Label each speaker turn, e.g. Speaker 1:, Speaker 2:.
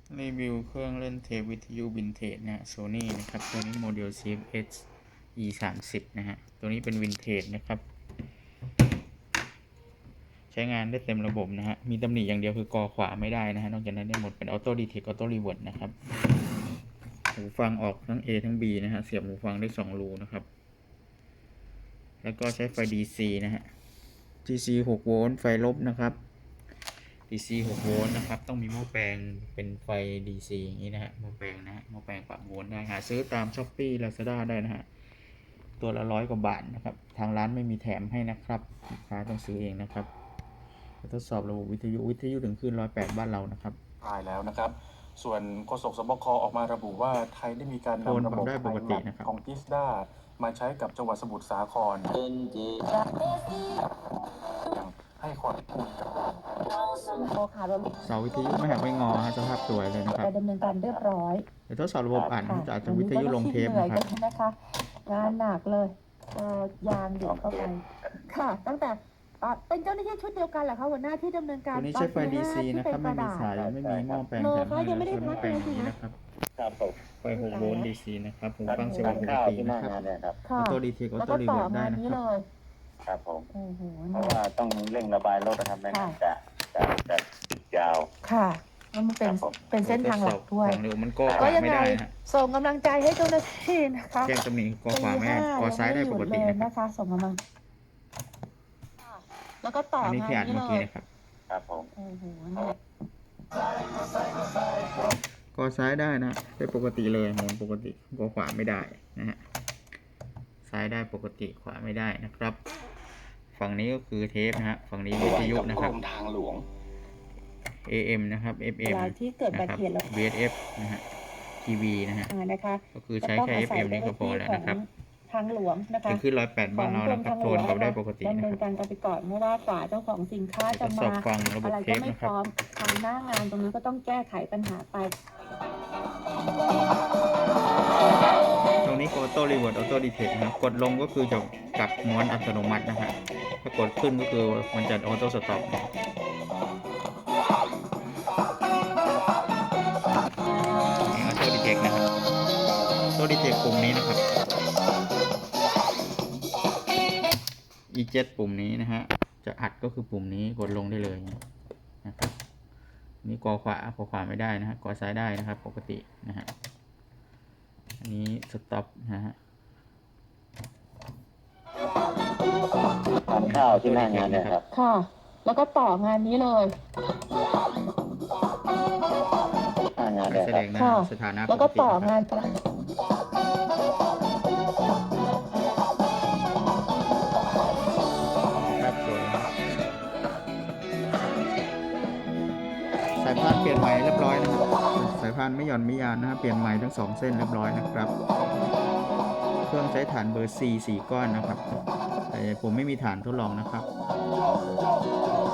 Speaker 1: รีวิวเครื่องเล่นเทปวิทยุวินเทจนะฮะ Sony นะครับตัวนี้โมเดล CFX E30 นะฮะตัวนี้เป็นวินเทจนะครับ ใช้งานได้เต็มระบบนะฮะมีตำหนิอย่างเดียวคือกอขวาไม่ได้นะฮะนอกจากนั้นได้หมดเป็นออโต้ดีเทคออโต้รีเวิร์ดนะครับหูฟังออกทั้ง A ทั้ง B นะฮะเสียบหูฟังได้2รูนะครับแล้วก็ใช้ไฟ DC นะฮะ DC 6 โวลต์ไฟลบนะครับ DC 6 โวลต์นะครับต้องมีหม้อแปลงเป็นไฟ DC อย่างนี้นะฮะหม้อแปลงนะฮะหม้อแปลงปรับโวลต์ได้หาซื้อตาม Shopee Lazada ได้นะฮะตัวละ100 กว่าบาทนะครับทางร้านไม่มีแถมให้นะครับลูกค้าต้องซื้อเองนะครับทดสอบระบบวิทยุถึงคลื่น108บ้านเรานะครับ
Speaker 2: ตายแล้วนะครับส่วนโฆษกสบคออกมาระบุว่าไทยได้มีการนำระบบ
Speaker 1: ปกตินะครับ
Speaker 2: ของทิสดามาใช้กับจังหวัดสมุทรสาครให้ข้อมูลกับ
Speaker 1: เสาวิทยุไม่หักไม่งอฮะสภาพสวยเลยนะครับ
Speaker 3: ไปดำเนินการเรียบร้อย
Speaker 1: เดี๋ยวทดสอบระบบอ่านจากวิทยุลงเทปนะครับ
Speaker 3: งานหนักเลยยางเดี่ยวเข้าไปค่ะ ตั้งแต่เป็นเจ้าหน้าที่ชุดเดียวกันเหรอคะหัวหน้าที่ดำเนินการ
Speaker 1: ตัวนี้ใช้ไฟ DC นะครับไม่มีสายไม่มีหม้อแปลงแถมให้แล้วใช้หม้อแปลงนี้นะครับไฟ6 โวลต์ DC นะครับหูฟังเสียงปกตินะครับออโต้ดีเทคออโต้รีเวิร์ดได้นะครับ
Speaker 4: ครับผมเพราะว่าต้องเร่งระบายรถนะครับไม่งั้นจะยาว
Speaker 3: ค่ะแล้วมันเป็นเส้นทางหลักด้วย
Speaker 1: เดี๋ยวมันก็
Speaker 3: ยังไง
Speaker 1: ไม่ได้ฮะ
Speaker 3: ส่งกำลังใจให้เจ้าหน้าที่นะคะ
Speaker 1: แจ้งตำหนิกอขวาไม่กอซ้ายได้ปกติ
Speaker 3: นะคะส่งกำลังแล้วก็ต่อ
Speaker 1: อันนี้ที่อ่านเมื่อกี้นะครับ
Speaker 4: ครับผม
Speaker 1: กอซ้ายได้นะได้ปกติเลยหมุนปกติกอขวาไม่ได้นะฮะซ้ายได้ปกติขวาไม่ได้นะครับฝั่งนี้ก็คือเทปนะฮะฝั่งนี้วิทยุนะครับ
Speaker 4: ทางหลวง
Speaker 1: AM นะครับ FM
Speaker 3: ที่เกิดบัติเหตุแล้ว
Speaker 1: VHF นะฮะ TV นะฮะก็คือใช้แค่ FM นี่ก็พอแล้วนะครับ
Speaker 3: ทางหลวงนะคะ
Speaker 1: ขึ้น108บ้านเรานะครับโทนกับได้ปกติ
Speaker 3: ดำเนินการไปก่อนเพราะว่ากว่าเจ้าของสินค้าจะมาอะไรก็ไม่พร้อมทางหน้างานตรงนี้ก็ต้องแก้ไขปัญหาไป
Speaker 1: ตรงนี้ออโต้รีเวิร์ดออโต้ดีเทคนะครับกดลงก็คือจะกลับม้วนอัตโนมัตินะฮะถ้ากดขึ้นก็คือมันจะออโต้สต็อปนี่ออโต้ดีเทคนะครับออโต้ดีเทคปุ่มนี้นะครับE7 ปุ่มนี้นะฮะจะอัดก็คือปุ่มนี้กดลงได้เลยนะครับนี่กอขวาไม่ได้นะฮะกอซ้ายได้นะครับปกตินะฮะอันนี้สต็อปนะฮะ
Speaker 4: ทานข้าวที่หน้างานนะครับ
Speaker 3: ค่ะแล้วก็ต่องานนี้เลย
Speaker 1: แสดงหน้าสถานะ
Speaker 3: แล้วก็ต่องาน
Speaker 1: สายพานเปลี่ยนใหม่เรียบร้อยนะครับสายพานไม่หย่อนไม่ยานนะครับเปลี่ยนใหม่ทั้ง2เส้นเรียบร้อยนะครับเครื่องใช้ฐานเบอร์ 4 4 ก้อนนะครับแต่ผมไม่มีฐานทดลองนะครับ